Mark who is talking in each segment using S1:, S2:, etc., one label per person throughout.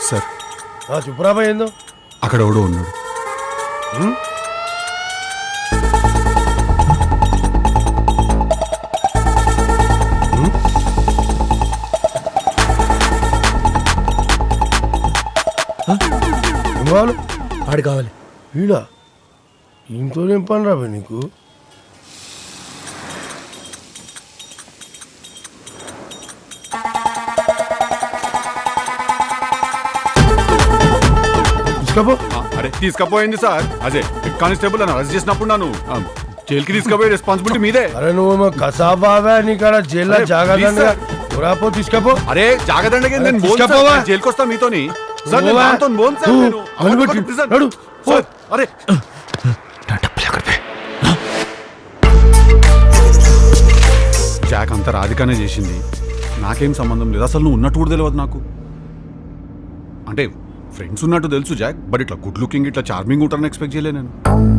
S1: Sir
S2: చెప్పురాబా ఏందో
S1: అక్కడ ఎవడో ఉన్నాడు.
S2: ఏం కావాలి?
S3: ఆడు కావాలి.
S2: వీడా ఇంట్లో ఏం పని రాబే నీకు? తీసుకపో.
S1: అరే తీసుకపోయింది సార్. అదే హెడ్ కానిస్టేబుల్ అని అరెస్ట్ చేసినప్పుడు నన్ను జైలుకి తీసుకుపోయే రెస్పాన్సిబిలిటీ మీదే.
S2: అరే నువ్వు కసాబావా నీకాడ జైల్లో
S1: అరే,
S2: జాగ్రత్త
S1: please
S2: రాపో. తీసుకపో.
S1: అరే జాగ్రత్తగా
S2: అరే, తీసుకపోవా?
S1: జైలుకి వస్తా మీతోని. సార్,
S2: పోవా?
S1: నేను దాంతోని పోను సార్,
S2: పో.
S1: నేను.
S2: అనుమతి.
S1: prison.
S2: నడు. పో.
S1: సార్, అరే జాక్ అంతా రాధికానే చేసింది. నాకేం సంబంధం లేదు. అసలు నువ్వు ఉన్నట్టు కూడా తెలియదు నాకు. అంటే ఫ్రెండ్స్ ఉన్నట్టు తెలుసు జాక్, బట్ ఇట్లా గుడ్ లుకింగ్ ఇట్లా చార్మింగ్ ఉంటారని ఎక్స్పెక్ట్ చేయలే నేను.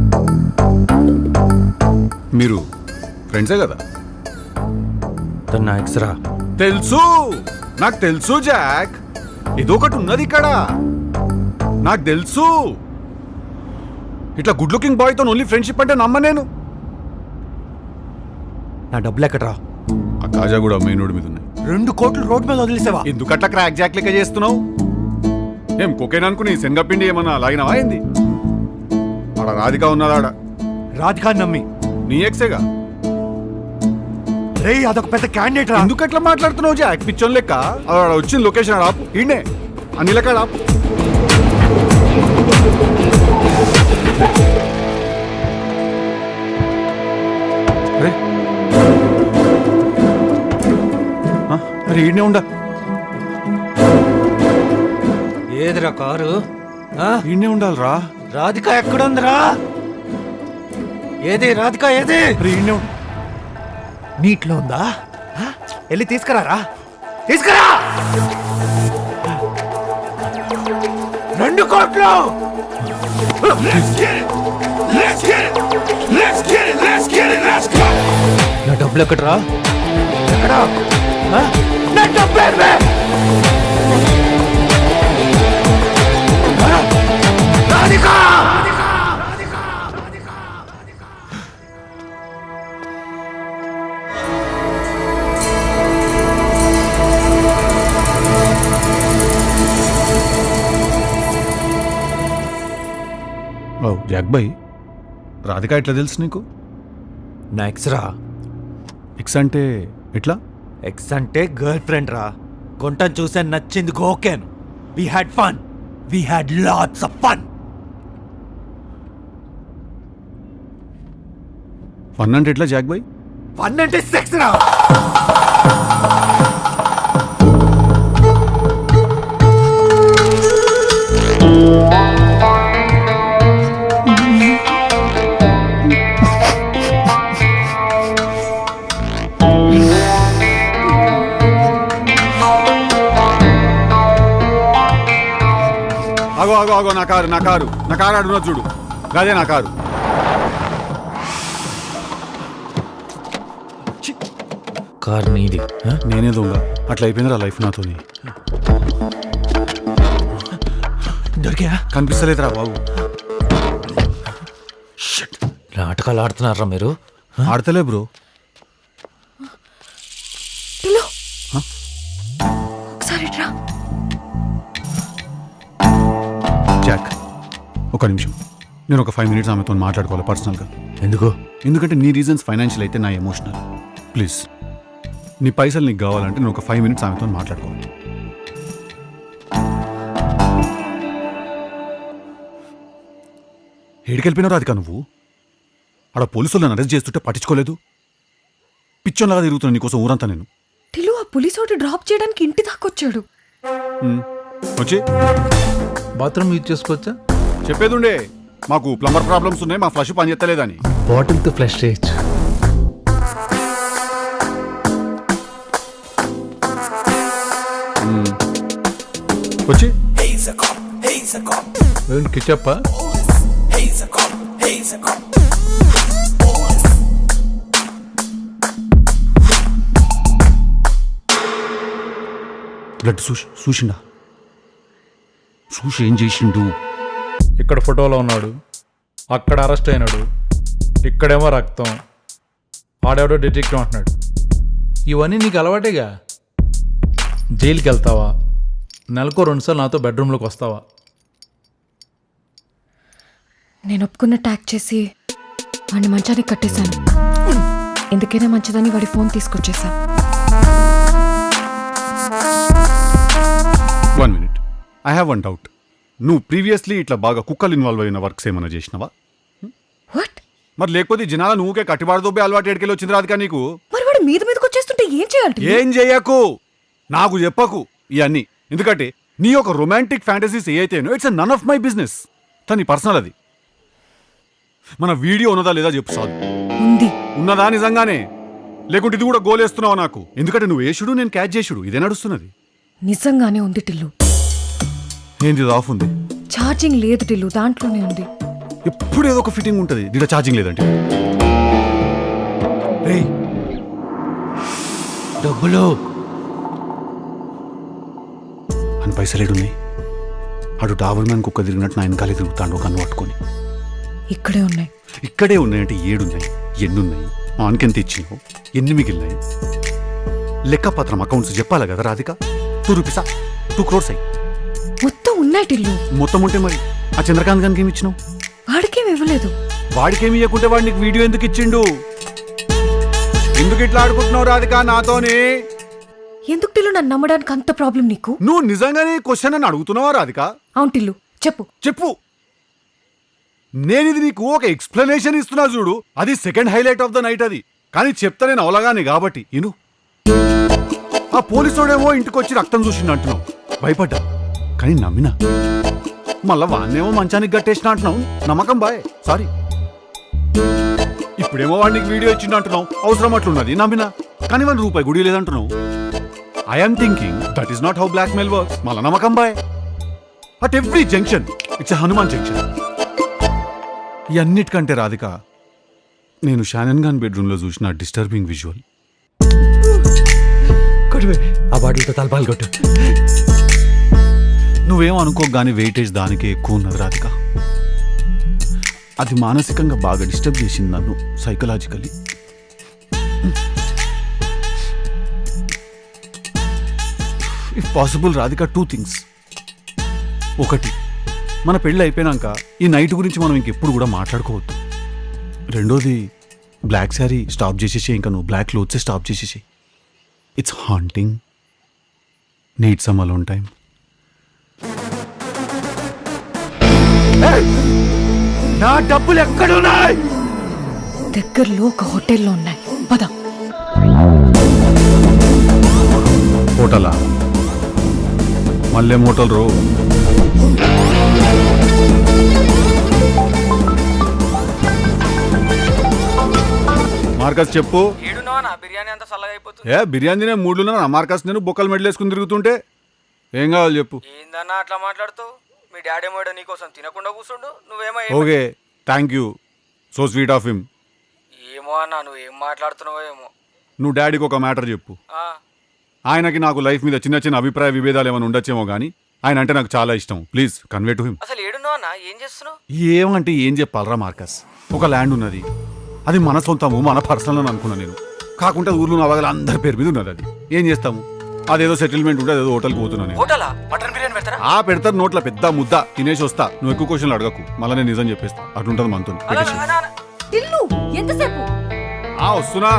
S1: మీరు ఫ్రెండ్సే కదా?
S3: నా ఎక్స్రా
S1: తెలుసు, నాకు తెలుసు జాక్. ఇదొకటి ఉన్నది ఇక్కడ, నాకు తెలుసు. ఇట్లా గుడ్ లుకింగ్ బాయ్తో ఓన్లీ ఫ్రెండ్షిప్ అంటే నమ్మ నేను.
S3: నా డబ్బులు ఎక్కడరా?
S1: ఆ కాజా కూడా మెయిన్ రోడ్ మీద ఉన్నాయి.
S3: 2 కోట్లు రోడ్ మీద వదిలేసావా?
S1: ఎందుకట్లా క్రాక్ జాక్ లెక్క చేస్తున్నావు? ఏం కొకేన్ అనుకుని శనగపిండి ఏమన్నా లాగినవా ఏంది? ఆడ రాధిక ఉన్నదాడ.
S3: రాధికా నమ్మి
S1: నీ ఎక్సేగా.
S3: రే అదొక పెద్ద క్యాండిడేట్ రా.
S1: ఎందుకట్లా మాట్లాడుతున్నావు జాక్? పిచ్చోన్ లెక్క. ఆడ వచ్చిన లొకేషన్ ఆడ ఆపు. ఈయనే అన్ని లెక్క ఆపు. అరే అరే ఈయనే ఉండ.
S3: ఏదిరా కారు?
S1: ఈయనే ఉండాలిరా.
S3: రాధిక ఎక్కడుందిరా? ఏది రాధిక ఏది?
S1: అరే ఈయనే ఉండ.
S3: నీట్లో ఉందా? వెళ్ళి తీసుకురారా, తీసుకురా. 2 కోట్లు. నా డబ్బులు ఎక్కడరా? ఎక్కడ? నా డబ్బులు ఎక్కడ? Radhika!
S1: Oh Jack boy, Radhika ఎట్లా తెలుసు నీకు?
S3: నా ఎక్స్రా.
S1: ఎక్స్ అంటే ఎట్లా?
S3: ఎక్స్ అంటే గర్ల్ ఫ్రెండ్ రా. గుంటను చూసే నచ్చింది గోకెన్. We had fun, we had lots of fun.
S1: Fun అంటే ఎట్లా జాక్ బాయ్?
S3: ఫన్ అంటే సెక్స్ రా.
S1: ఆగో ఆగో ఆగో, నా కారు ఆడున్నా చూడు. అదే నా కారు.
S3: కార్ నీది?
S1: నేనే దొంగ. అట్లా అయిపోయిందిరా లైఫ్ నాతోని.
S3: దొరికా?
S1: కనిపిస్తలేదురా బాబు.
S3: నాటకాలు ఆడుతున్నారా మీరు?
S1: ఆడతలే బ్రో. జాక్ ఒక నిమిషం, నేను ఒక 5 minutes ఆమెతో మాట్లాడుకోవాలి పర్సనల్గా. ఎందుకంటే నీ రీజన్స్ ఫైనాన్షియల్ అయితే నా ఎమోషనల్. ప్లీజ్, నీ పైసలు నీకు కావాలంటే నేను ఒక 5 minutes ఆమెతో మాట్లాడుకోవాలి. ఏడికెళ్ళిపోయినావు రాధిక నువ్వు? ఆడ పోలీసులు నన్ను అరెస్ట్ చేస్తుంటే పట్టించుకోలేదు. పిచ్చోన్లాగా తిరుగుతున్నా నీకోసం ఊరంతా నేను.
S4: టిలు ఆ పోలీసు వాడు డ్రాప్ చేయడానికి ఇంటి దాకా వచ్చాడు.
S1: వచ్చి
S5: బాత్రూమ్ యూజ్ చేసుకోవచ్చా?
S1: చెప్పేది ఉండే, మాకు ప్లంబర్ ప్రాబ్లమ్స్ ఉన్నాయి, మా ఫ్లష్ పని చేస్తలేదని.
S5: బాటిల్తో ఫ్లష్ చేయొచ్చు.
S1: వచ్చి
S5: కిచప్పా?
S1: బ్లడ్ చూసిండా? చూసి ఏం చేసిండు?
S5: ఇక్కడ ఫోటోలో ఉన్నాడు, అక్కడ అరెస్ట్ అయినాడు, ఇక్కడేమో రక్తం, ఆడెవడో డిటెక్టివ్ అంటున్నాడు. ఇవన్నీ నీకు అలవాటేగా. జైలుకి వెళ్తావా? నెలకో 2 సార్లు నాతో బెడ్రూమ్లోకి వస్తావా?
S4: నేను ఒప్పుకున్న ట్యాగ్ చేసి వాడిని మంచానికి కట్టేశాను. ఎందుకైనా మంచిదని వాడి ఫోన్ తీసుకొచ్చేసా.
S1: 1 minute. I have one doubt. నువ్వు ప్రీవియస్లీ ఇట్లా బాగా కుక్కలు ఇన్వాల్వ్ అయిన వర్క్స్ ఏమైనా చేసినావా?
S4: వాట్?
S1: మరి లేకపోతే జనాల నువ్వుకే కట్టిబాడుదోబే అలవాటు ఎడికెళ్ళి వచ్చింది రాదుగా నీకు?
S4: మరి వాడు మీదకి వచ్చేస్తుంటే ఏం చేయాలి?
S1: ఏం చెయ్యకు, నాకు చెప్పకు ఇవన్నీ. ఎందుకంటే నీ యొక్క రొమాంటిక్ ఫ్యాంటసీస్ ఏ అయితేనో it's none of my business. తని పర్సనల్ అది. మన వీడియో ఉన్నదా లేదా చెప్పు సార్.
S4: ఉంది.
S1: ఉన్నదా నిజంగానే? లేకుంటే ఇది కూడా గోలేస్తున్నావు నాకు? ఎందుకంటే నువ్వు వేసుడు, నేను క్యాచ్ చేసుడు, ఇదే నడుస్తున్నది.
S4: నిజంగానే ఉంది టిల్లు.
S1: ఏంది ఇది ఆఫ్ ఉంది?
S4: ఛార్జింగ్ లేదు టిల్లు, దాంట్లోనే ఉంది.
S1: ఎప్పుడు ఏదో ఒక ఫిట్టింగ్ ఉంటుంది. దీంట్లో ఛార్జింగ్ లేదంటే
S3: రేయ్, డబ్బులు
S1: అని పైసలేడున్నాయి. అటు డాబర్ మ్యాన్ కుక్క తిరిగినట్టు నా వెనకాలే తిరుగుతాడు ఒక కన్ను పట్టుకొని.
S4: ఇక్కడే ఉన్నాయి.
S1: ఇక్కడే ఉన్నాయంటే 7 ఉన్నాయి. ఎన్నున్నాయి? ఆన్కెంత ఇచ్చినావు? ఎన్ని మిగిలినాయి? లెక్కపత్రం అకౌంట్స్ చెప్పాలి కదా రాధిక. 2 రూపీసా? 2 crores అయ్యి
S4: మొత్తం ఉన్నాయి టిల్లు.
S1: మొత్తం ఉంటే మరి ఆ చంద్రకాంత్ గారికి ఏమి ఇచ్చినావు?
S4: వాడికేం ఇవ్వలేదు.
S1: వాడికేమి ఇవ్వకుంటే వాడు నీకు వీడియో ఎందుకు ఇచ్చిండు? ఎందుకు ఇట్లా ఆడుకుంటున్నావు రాధిక నాతోనే?
S4: ఎందుకు టిల్లు నన్ను నమ్మడానికి అంత ప్రాబ్లం నీకు?
S1: నువ్వు నిజంగానే క్వశ్చన్ అని అడుగుతున్నావా రాధిక?
S4: అవును టిల్లు, చెప్పు.
S1: చెప్పు. నేను ఇది నీకు ఒక ఎక్స్ప్లెనేషన్ ఇస్తున్నా చూడు, అది second highlight of the night. అది కానీ చెప్తా నేను అవలగానే కాబట్టి ఇను. ఆ పోలీసుడేమో ఇంటికొచ్చి రక్తం చూసిండు అంటున్నావు, భయపడ్డా కానీ నమ్మినా. మళ్ళా వాడినేమో మంచానికి గట్టేసిన అంటున్నావు, నమ్మకం బాయ్, సారీ. ఇప్పుడేమో వాడికి వీడియో ఇచ్చిండు అంటున్నావు, అవసరం అట్లున్నది, నమ్మినా. కానీ ₹1 గుడి లేదంటున్నావు. I'm thinking that is not how blackmail works. మళ్ళా నమ్మకం boy. At every junction it's Hanuman junction. ఇవన్నిటికంటే రాధిక, నేను షానన్ ఖాన్ బెడ్రూమ్లో చూసిన డిస్టర్బింగ్ విజువల్.
S3: ఆ బాటిల్తో తలపాలు కొట్టు.
S1: నువ్వేం అనుకోగానే వెయిటేజ్ దానికే ఎక్కువ ఉన్నది రాధిక. అది మానసికంగా బాగా డిస్టర్బ్ చేసింది నన్ను, psychologically. If possible Radhika, 2 things. ఒకటి, మన పెళ్ళి అయిపోయినాక ఈ నైట్ గురించి మనం ఇంకెప్పుడు కూడా మాట్లాడుకోవద్దు. రెండోది, బ్లాక్ శారీ స్టాప్ చేసేసి, ఇంకా నువ్వు బ్లాక్ క్లోత్సే స్టాప్ చేసేసి. It's haunting. Need some alone time.
S3: నా డబ్బులు ఎక్కడున్నాయి?
S4: దగ్గరలో ఒక హోటల్లో ఉన్నాయి, పద.
S1: హోటలా? మళ్ళీ హోటల్ రో. మార్కస్ చెప్పు.
S6: బిర్యానీ అంతా చల్లగా అయిపోతుంది.
S1: బిర్యానీ తినే మూడులో నా మార్కస్ నేను బొక్కలు మెడలేసుకుని తిరుగుతుంటే ఏం కావాలి చెప్పు.
S6: ఏందన్నా అట్లా మాట్లాడుతావు? మీ డాడీ ఏమో నీకోసం తినకుండా కూర్చుండు, నువ్వేమో
S1: okay, thank you, so sweet of him.
S6: ఏమో అన్నా, నువ్వు ఏం మాట్లాడుతున్నావో ఏమో.
S1: నువ్వు డాడీకి ఒక మ్యాటర్ చెప్పు. ఆయనకి నాకు లైఫ్ మీద చిన్న చిన్న అభిప్రాయ విభేదాలు ఏమైనా ఉండొచ్చేమో కానీ ఆయన అంటే నాకు చాలా ఇష్టం. Please convey to him.
S6: అసలు ఏడున్నావు అన్న? ఏం చేస్తున్నావు?
S1: ఏమంటే ఏం చెప్పాలరా మార్కస్, ఒక ల్యాండ్ ఉన్నది, అది మన సొంతము, మన పర్సనల్ అని అనుకున్నా నేను. కాకుండా ఊర్లో నవగల అందరి పేరు మీద ఉన్నది. అది ఏం చేస్తాము, అదేదో సెటిల్మెంట్ ఉంటే అదేదో హోటల్కి పోతున్నా నేను.
S6: హోటలా? మటన్ బిర్యానీ పెడతారా?
S1: పెడతారు నోట్ల పెద్ద ముద్ద, తినేసి వస్తా. నువ్వు ఎక్కువ క్వశ్చన్లు అడగకు, మళ్ళీ నేను నిజం చెప్పేస్తా. అట్లుంటుంది మనతో.
S4: టిల్లు, ఎంతసేపు?
S1: వస్తున్నా.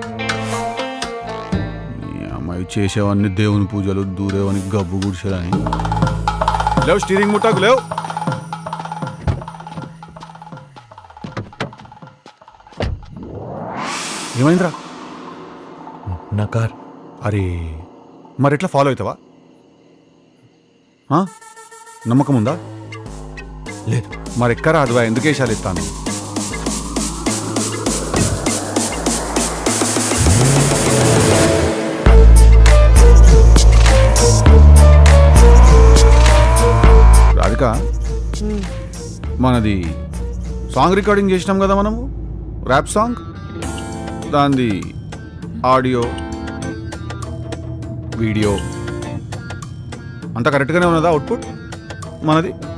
S1: అమ్మాయి చేసేవన్నీ దేవుని పూజలు, దూరేవని గబ్బు గుడిసేదని. లేవు, స్టీరింగ్ ముట్టాకు లేవు. ఏమైందిరా?
S3: నా కార్.
S1: అరే, మరి ఎట్లా ఫాలో అవుతావా? నమ్మకం ఉందా?
S3: లేదు.
S1: మరి ఎక్కరా అదివా, ఎందుకు వేసాలు ఇస్తాను? రాధిక, మనది సాంగ్ రికార్డింగ్ చేసినాం కదా మనము, ర్యాప్ సాంగ్. దాంది ఆడియో వీడియో అంతా కరెక్ట్గానే ఉన్నదా? అవుట్పుట్ మనది